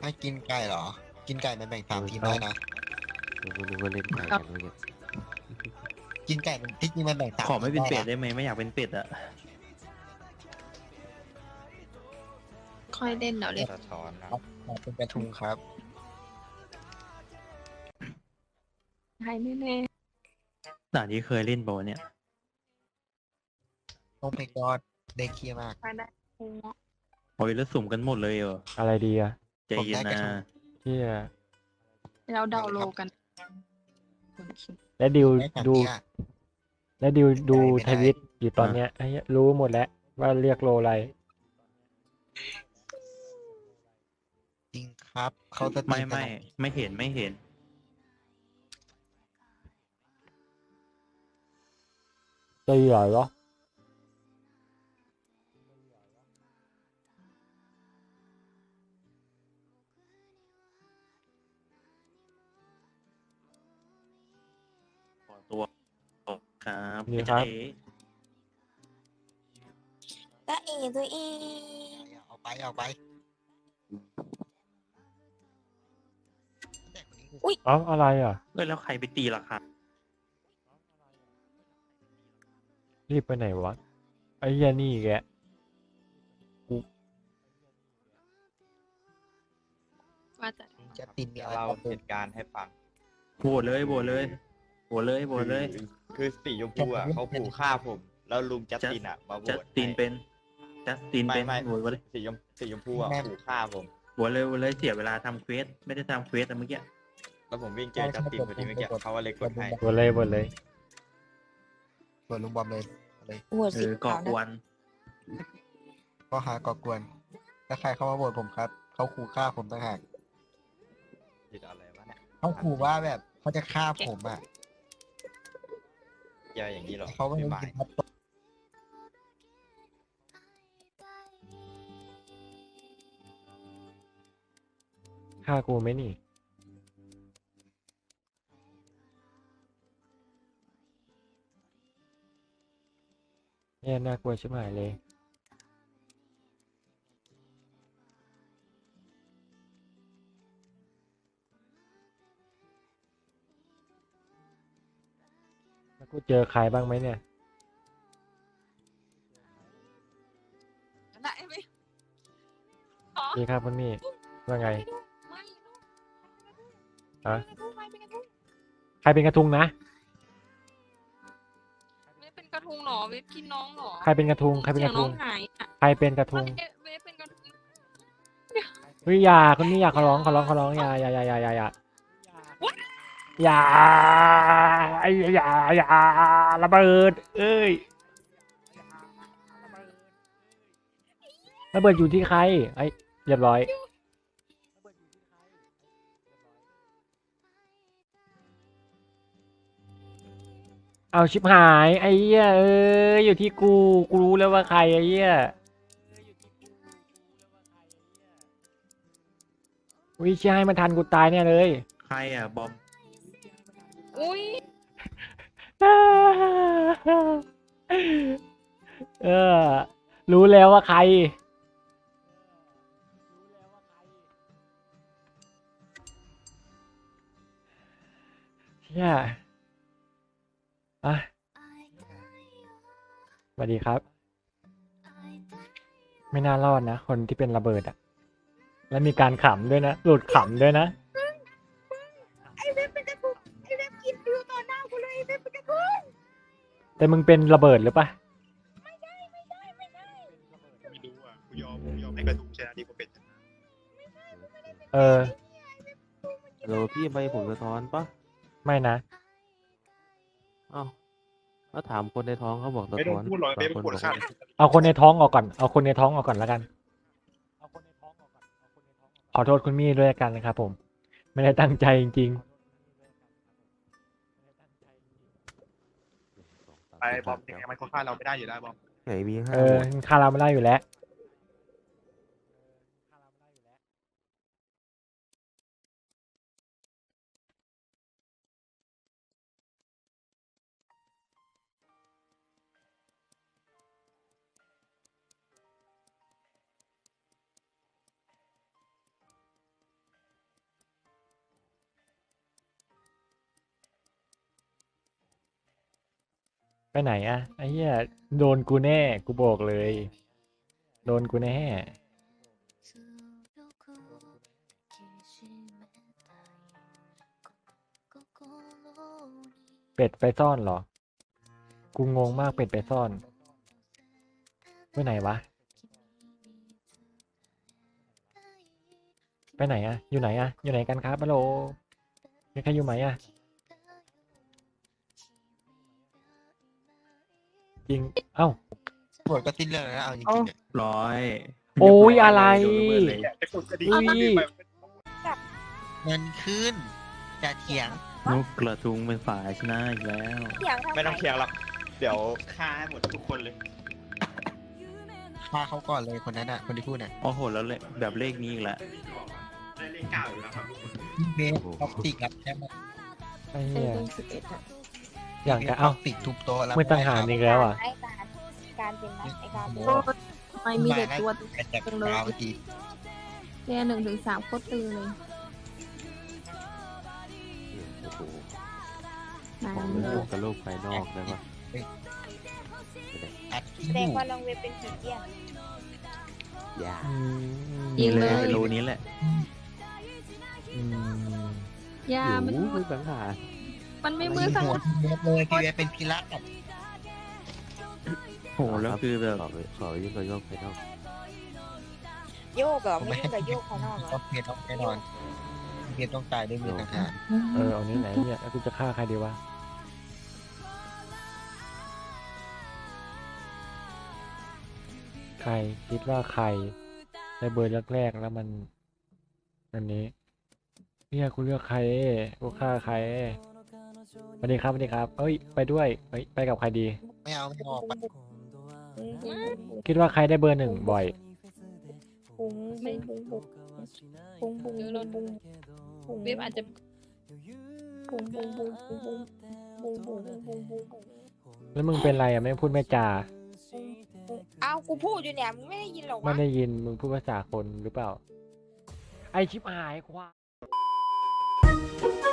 ให้กินไก่เหรอกินไก่มันแบ่ง3 ทีมได้นะกูนึกว่าเล่นไก่กันเมื่อกี้กินไก่มันที่จริงมันแบ่งสามขอไม่เป็นเป็ดทีมได้นะได้ไหมไม่อยากเป็นเป็ดอะค่อยเล่นเดี๋ยวเล่นสะท้อนนะมาเป็นกระทุงครับใช่แน่ด่านที่เคยเล่นโบเนี่ยโอ้เพกอดได้เคลียร์มากๆไปได้โอ้โอ้ยแล้วสุ่มกันหมดเลยเหรออะไรดีอะใจเย็นนะที่เราเดาโลกันและดิวได้สามดูเทียร์และดิวดูไม่ได้ทวิตอยู่ตอนเนี้ยไอ้เหี้ยรู้หมดแล้วว่าเรียกโลอะไรจริงครับเขาจะตีไม่กันไม่เห็นไม่เห็นจะเหรอเหรอขอตัวครับนี่ครับเอ๋ตาเอตัวเองเอาไปเอาไปแต่คนนี้คือเอ้าอะไรอ่ะเอ้ยแล้วใครไปตีราคารีบไปไหนวะไอ้เหี้ยนี่แกว่าจะจะตินมีเดี๋ยวอะไรเราบ้างเหตุการณ์ให้ฟังโหวตเลยโหวตเลยโหวตเลยโหวตเลยคือสีชมพูอ่ะเขาขู่ฆ่าผม แล้วลุงจัสตินอ่ะมาโหวจัสตตินให้เป็นจัสตินเป็นไม่โหวตเลยสีชมพูอ่ะขู่ฆ่าผมโหวตเลยโหวตเลยเสียเวลาทำเควสไม่ได้ทำเควสอะเมื่อกี้แล้วผมวิ่งเจอจัสตินพอดีเมื่อกี้เขาว่าเลยกดให้หมดเลยหมดเลยส่วนลุงบอมเลยเลยโหวตสีก่อขาวกวนะนก็หาก่อกวนถ้าใครเข้ามาโหวตผมครับเขาขู่ฆ่าผมต่างหากผิดอะไรวะเนี่ยเขาขู่ว่าแบบเขาจะฆ่าผมอ่ะเกี่ยวอย่างนี้เหรอเขาไม่พี่รู้หมายจริงครับฆ่ากูไหมนี่เนี่ยน่ากลัวชิบหายเลยแล้วกูเจอใครบ้างไหมเนี่ยได้ไหมดีครับคุณมี่ว่าไงไม่ฮะเป็นกระทุงใครเป็นกระทุงนะไม่เป็นกระทุงหรอเว็บกินน้องหรอใครเป็นกระทุงใครเป็นกระทุงสียน้องหายอ่ะใครเป็นกระทุงเว็บเป็นกระทุงเฮ้ยอย่าคุณมี่อย่าขอร้องอย่าอย่าไอ้อย่าระเบิดเอ้ยระเบิดอยู่ที่ใครไอ้เรียบร้อยเอาชิบหายไอ้เหี้ยเอ้ยอยู่ที่กูรู้แล้วว่าใครไอ้เหี้ยวิชให้มันทันกูตายเนี่ยเลยใครอ่ะบอมอุ้ยเออ รู้แล้วว่าใครเชี่ยอ่ะสวัสดีครับ ไม่น่ารอดนะ คนที่เป็นระเบิดอ่ะ แล้วมีการขำด้วยนะ หลุดขำด้วยนะไอเว็บเป็นกระทุงไอเว็บกินดูต่อหน้ากูเลยไอเว็บเป็นกระทุงแต่มึงเป็นระเบิดหรือปะไม่รู้อ่ะกูยอมให้กระทุงชนะดีกว่าเป็ดชนะเออฮัลโหลพี่ใบผลสะท้อนปะไม่นะอ้าวแล้วถามคนในท้องเขาบอกสะไม่ต้อท้งอนพูดหรอกบาไม่งต้คองนพูดบอกข้ามว่าเอาคนในท้องออกก่อน เอาคนในท้องออกก่อนแล้วกัน ขอโทษคุณมี่ด้วยกันนะครับผม ไม่ได้ตั้งใจจริงไปบอมยังไงมันก็ฆ่าเราไม่ได้อยู่แล้วบอมไหนมีๆห้าเออหมดค่าเราไม่ได้อยู่แล้วไหนอะไอ้เหี้ยโดนกูแน่กูบอกเลย โดนกูแน่ เป็ดไปซ่อนเหรอ กูงงมากเป็ดไปซ่อนไปไหนวะ ไปไหนอะอยู่ไหนอะอยู่ไหนกันครับฮัลโหลมีใครอยู่ไหมอะจริง เอ้าตำรวจก็สิ้นเรื่องแล้วนะเอาจริงๆเนี่ยร้อยโอ้ยอะไรโดนละเมิดเลยไอ้คนคดีอุ้ยเงินขึ้นอย่าเถียงนกกระทุงเป็นฝ่ายชนะอีกแล้วเถียงทำไม่ต้องเถียงหรอก เดี๋ยวฆ่าให้หมดทุกคนเลยฆ่าเขาก่อนเลยคนนั้นอ่ะ คนที่พูดน่ะโอ้โหแล้วเลยแบบเลขนี้อีกแล้วได้เลขเก้าอยู่แล้วครับเบสท็อกซิกรับแค่มาไอ้เอเหี้ยอ11อ่ะอย่างจะเอ้าท็อกซิกทุบโต๊ะแล้วไม่ทหารอีกแล้วอ่ะไอ้การเป็นนะไอ้การเป็นทำไมมีแต่ตัวแต่จากดาวเมื่อกี้เนี่ย1 ถึง 3โคตรตึงเลยโอ้โหนายของมีเรื่องกับโลกภายนอกได้ปะอัดที่แสดอง ยู่ว่าน้องเว็บเป็นผีเกี้ยนอย่าอืมจริงเลยเป็นรูนี้แหละอืมยามันอยู่ไม่สังหารมันไม่มือสังหัวหารพี่เวฟเลยพี่เวฟเป็นพิระกับโอ้โหแล้วคือแบบขอยิ่งกว่าโลกภายนอกโยกเหรอไม่ยิ่งกับโยกภายนอกเหรต้อองเพียรต้องแน่นอนเพียรต้องตายด้วยมือทหารเออเอานี้ไหนเนี่ยแล้วกูจะฆ่าใครดีวะ ใครคิดว่าใครได้เบอร์แรกๆแล้วมันอันนี้เนี่ยกูเลือกใครกูฆ่าใครสวัสดีครับสวัสดีครับเอ้ยไปด้วยเอ้ยไปกับใครดีไม่เอาไม่ออกไปคิดว่าใครได้เบอร์หนึ่งบ่อยปุ้งปุ้งปุ้งปุ้งปุ้งปุ้งปุ้งปุ้งปุ้งเว็บอาจจะปุ้งปุ้งปุ้งปุ้งปุ้งปุ้งปุ้งปุ้งปุ้งปุ้งแล้วมึงเป็นไรอ่ะไม่พูดไม่จาอ้าวกูพูดอยู่เนี่ยมึงไม่ได้ยินหรอไม่วะได้ยินมึงพูดภาษาคนหรือเปล่า ไอชิบหายควาย